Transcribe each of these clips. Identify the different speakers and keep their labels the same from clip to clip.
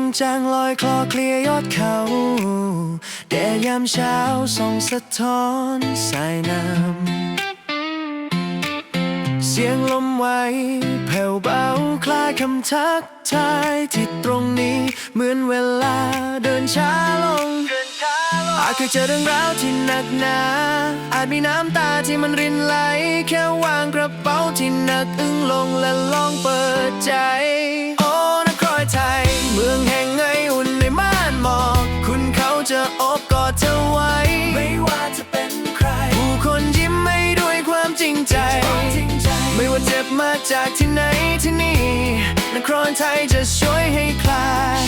Speaker 1: จางลอยคลอเคลียยอดเขาแดดยามเช้าส่องสะท้อนสายน้ำเสียงลมไหวแผ่วเบาคล้ายคำทักทายที่ตรงนี้เหมือนเวลาเดินช้าลงอาจเคยเจอเรื่องราวที่หนักหนาอาจมีน้ำตาที่มันรินไหลแค่วางกระเป๋าที่หนักอึ้งลงและลองเปิดใจโอ้นครไทยเมืองแห่งไออุ่นในม่านหมอกคุณเขาจะโอบกอดเธอไว้ไม่ว่าจะเป็นใครผู้คนยิ้มให้ด้วยความจริงใจไม่ว่าเจ็บมาจากที่ไหนที่นี่นครไทยจะช่วยให้คลาย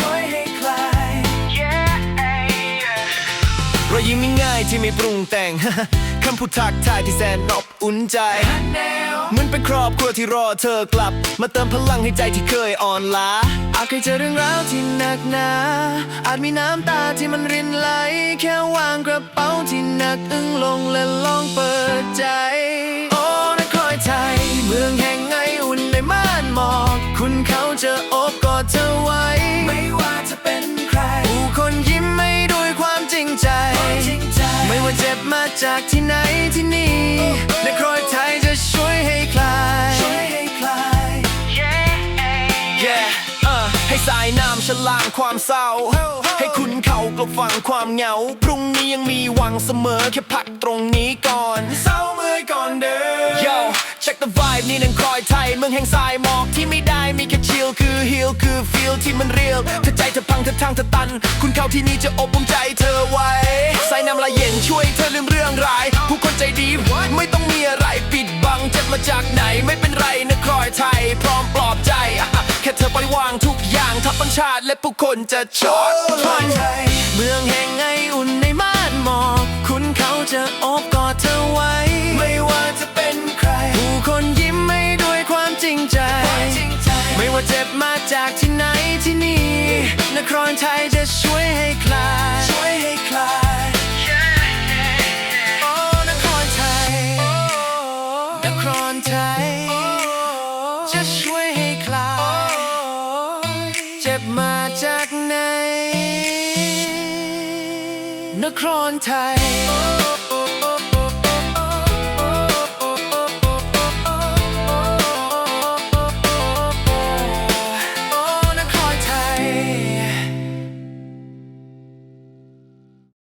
Speaker 1: รอยยิ้มง่ายๆที่ไม่ปรุงแต่ง คำพูดทักทายที่แสนอบอุ่นใจเหมือนเป็นครอบครัวที่รอเธอกลับมาเติมพลังให้ใจที่เคยอ่อนล้าอาจเคยเจอเรื่องราวที่หนักหนาอาจมีน้ำตาที่มันรินไหลแค่วางกระเป๋าที่หนักอึ้งลงและลองเปิดใจโอ้นครไทยเมืองแห่งไออุ่นในม่านหมอกคุณเขาจะโอบกอดเธอไว้ไม่ว่าจะเป็นใครผู้คนยิ้มให้ด้วยความจริงใจไม่ว่าเจ็บมาจากที่ไหนที่นี่นครไทยจะช่วยให้คลายให้สายน้ำฉลางความเศร้าให้คุณเขากลบฟังความเหงาพรุ่งนี้ยังมีหวังเสมอแค่พักตรงนี้ก่อนเศร้าเมื่อยก่อนเดิน Yo check the vibe นี่นครไทยเมืองแห่งสายหมอกที่ไม่ได้มีแค่ชิลคือฮิลคือฟีลที่มันเรียลถ้าใจเธอพังเธอทางเธอตันคุณเขาที่นี่จะอบอุ่นใจเธอไว้สายน้ำละเย็นช่วยเธอลืมเรื่องร้ายผู้คนใจดีไม่ต้องมีอะไรปิดบังเจ็บมาจากไหนไม่เป็นไรนครไทยพร้อมปลอบใจแค่เธอปล่อยวางทุกอย่างทัพบัญชาและผู้คนจะชดใช้เมืองแห่งไออุ่นในม่านหมอกคุณเขาจะโอบกอดเธอไว้ไม่ว่าจะเป็นใครผู้คนยิ้มให้ด้วยความจริงใจไม่ว่าเจ็บมาจากที่ไหนที่นี่นครไทยจะช่วยให้คลายโอ้นครไทยนครไทยจะช่วยให้คลายเจ็บมาจากไหนนครไทย